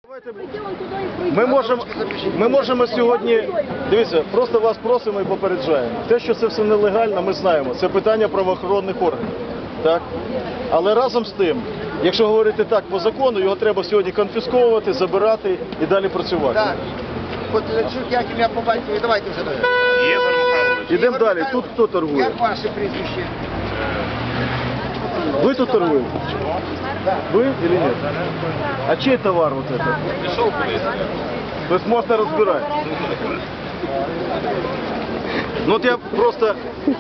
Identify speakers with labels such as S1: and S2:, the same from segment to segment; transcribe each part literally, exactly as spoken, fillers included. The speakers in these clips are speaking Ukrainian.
S1: Ми можемо, ми можемо сьогодні, дивіться, просто вас просимо і попереджаємо. Те, що це все нелегально, ми знаємо. Це питання правоохоронних органів. Так? Але разом з тим, якщо говорити так по закону, його треба сьогодні конфісковувати, забирати і далі працювати.
S2: Так. От як ім'я по батькові, давайте вже далі.
S3: Ігор Михайлович.
S1: Ідемо далі. Тут хто торгує?
S2: Як ваше прізвище?
S1: Ви тут торгуєте? Ви чи ні? А чий товар вот это?
S3: Пішов кудись.
S1: Тобто можна розбирати. Ну от я просто...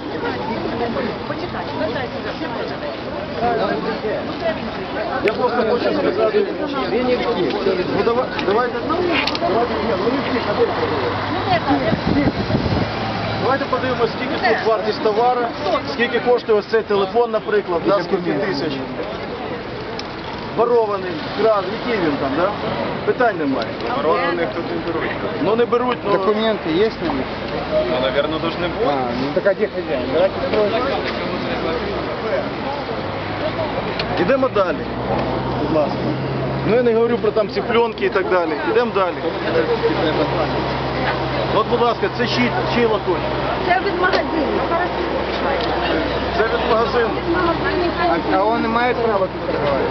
S1: Я просто хочу сказати... Ну давай, давайте... Давайте, ні, ну не всіх, а де всіх? Давайте подивимося, скільки тут вартість товару, скільки коштує ось цей телефон, наприклад, да, скільки тисяч. Ворований, кран, який він там, да? Питань немає.
S3: Ворованих тут не беруть.
S1: Ну не беруть, ну...
S2: Документы есть на них?
S3: Ну, наверное, должны бути.
S2: А, ну так а где хозяин? Давайте спросим.
S1: Ідемо далі, будь ласка. Ну я не говорю про там ці пленки і так далі. Ідемо далі. От, будь ласка, це чий, чий лоточок?
S4: Це від магазину.
S1: Це від магазину.
S2: А, а он имеет право тут торговать?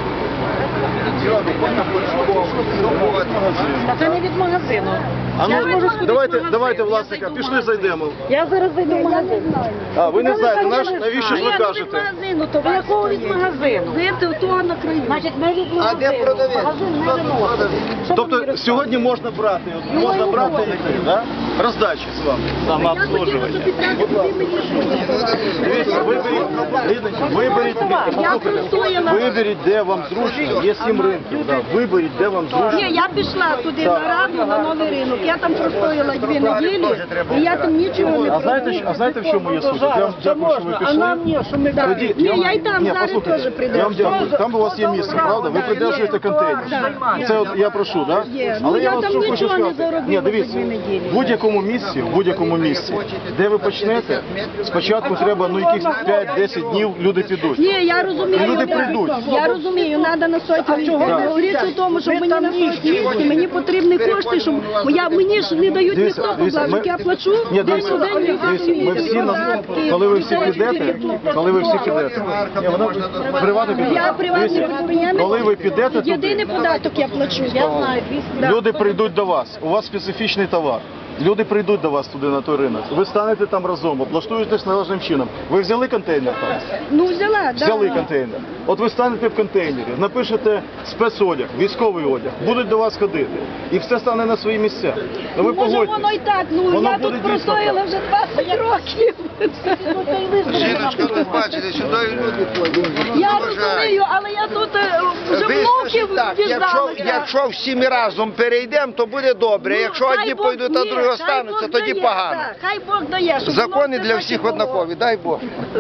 S4: Та це не від магазину.
S1: А ну,
S4: Я можу сходити
S1: давайте,
S4: в магазин.
S1: давайте,
S4: Я
S1: власника,
S4: зайду в
S1: пішли
S4: магазин.
S1: зайдемо.
S4: Я зараз зайду в магазин.
S1: А, ви не
S4: Та
S1: знаєте,
S4: ви
S1: наш,
S4: не
S1: навіщо ж ви
S4: знаєте.
S1: кажете?
S4: Я не від магазину, то ви якого від магазину? Ви в того на краю. Значить, ми від магазину.
S2: А де продавець?
S4: Магазин не
S2: Хто тут
S4: виносить.
S2: продавець?
S4: Що
S1: Тобто
S4: ви мені
S1: сьогодні можна брати, от, можна
S4: ну,
S1: брати
S4: ну,
S1: і да? Роздачі з вами.
S3: Самообслуживання.
S1: Будь ласка. Дивіться, виберіть, Лідочка, виберіть,
S4: простояла.
S1: виберіть, де вам зручно. Є сім ринків, да. Виберіть, де вам зручно.
S4: Ні, я пішла туди на раду, на новий ринок. Я там простояла дві неділі, і я там нічого не
S1: А знаєте, що- а знаєте, в чому є суть? Я вам дякую, що ви пішли. Тоді,
S4: Ні,
S1: вам-
S4: я й там
S1: Ні,
S4: зараз
S1: послухайте,
S4: теж прийду.
S1: Я вам дякую. Там у вас є місце, правда? Ви придержуєте контейнер. Це от я прошу, так?
S4: Є.
S1: Але
S4: Ну,
S1: я
S4: я
S1: вас
S4: там
S1: що хочу
S4: нічого не
S1: сказати.
S4: заробила
S1: Ні,
S4: за
S1: дивіться,
S4: дві неділі.
S1: в будь-якому місці, в будь-якому місці, де ви почнете, спочатку треба, ну, якихось п'ять-десять днів люди підуть.
S4: Ні, я розумію.
S1: Люди
S4: я-
S1: прийдуть.
S4: Я розумію, треба на сотні. Говориться в тому, що мені на сотні місці, мені потрібні кошти, щоб я, мені ж не дають
S1: Дивіться,
S4: ніхто
S1: дивіться,
S4: поблажок,
S1: ми-
S4: я плачу
S1: Ні,
S4: день
S1: дивіться,
S4: у день,
S1: дивіться, ми всі, на- коли ви всі підете, коли ви всі підете, ні, вона приватний
S4: Я
S1: піде.
S4: приватний
S1: Дивіться,
S4: підприємець.
S1: коли ви підете
S4: Єдиний
S1: туди,
S4: податок я плачу, я знаю.
S1: люди прийдуть до вас, у вас специфічний товар. Люди прийдуть до вас туди на той ринок. Ви станете там разом, облаштуєтесь належним чином. Ви взяли контейнер там?
S4: Ну взяла, да.
S1: Взяли контейнер. От ви станете в контейнері, напишете спецодяг, військовий одяг, будуть до вас ходити. І все стане на свої місця. Ну ви
S4: Може
S1: погодьтесь.
S4: воно і так, ну
S1: Воно
S4: я
S1: буде
S4: тут
S1: дійсно
S4: простояла
S1: так.
S4: вже двадцять років.
S2: Жіночка, ви бачите, сюди люди ходять.
S4: Я розумію, але я тут е, вже
S2: Ви
S4: внуків
S2: так, якщо,
S4: діждалася.
S2: якщо всі ми разом перейдемо, то буде добре.
S4: Ну,
S2: Якщо
S4: хай
S2: одні
S4: Бог-
S2: пойдуть, а
S4: ні,
S2: другі
S4: хай
S2: остануться,
S4: Бог
S2: тоді
S4: дає,
S2: погано.
S4: так, хай Бог дає. щоб
S2: Закони
S4: воно
S2: для
S4: все
S2: всіх
S4: так і було.
S2: однакові, дай Бог.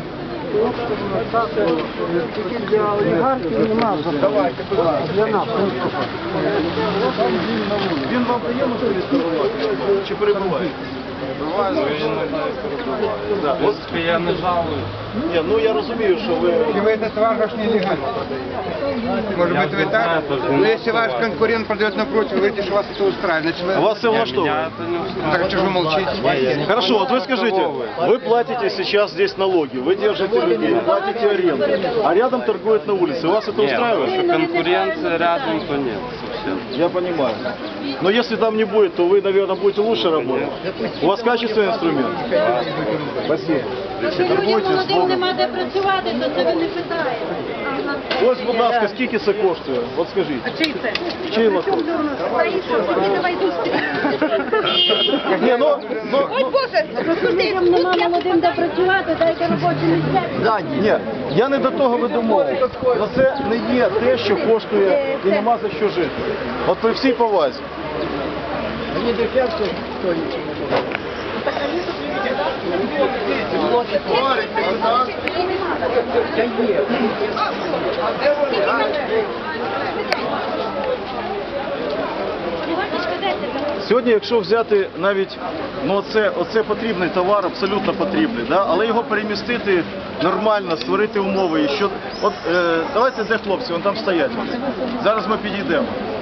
S2: Давайте, будь ласка.
S1: Він вам приємно чи перебуває? Да, от,
S3: Я не жалую.
S1: ні, ну я розумію, що ви...
S5: Вы этот товар ваш нелегально продаете. Может быть, вы так? Но если ваш конкурент продает напротив, вы говорите, что вас это устраивает. Значит, вы...
S1: А вас все влаштовує?
S3: Меня это не устраивает.
S5: Так, что же вы молчите?
S1: Хорошо, вот вы скажите, вы платите сейчас здесь налоги, вы держите людей, платите аренду, а рядом торгуют на улице. Вас это
S3: Нет,
S1: устраивает?
S3: если конкуренция рядом, то нет совсем.
S1: Я понимаю. Но если там не будет, то вы, наверное, будете лучше работать. У вас качественный инструмент? Спасибо. Торгуйте з Богом.
S4: Нема де працювати, то це ви не питаєте.
S1: Ось, будь ласка, скільки це коштує? От скажіть.
S4: Чий це?
S1: Чий лоток?
S4: Давай
S1: Ні, ну, ну,
S4: Ой, Боже, розкажіть, нема молодим де працювати, дайте робочі місця.
S1: ні, я не до того веду мову. Но це не є те, що коштує і нема за що жити. От при всій повазі. Сьогодні, якщо взяти навіть, ну оце, оце потрібний товар, абсолютно потрібний, да? Але його перемістити нормально, створити умови. І що, от, е, давайте, де хлопці, вон там стоять. Зараз ми підійдемо.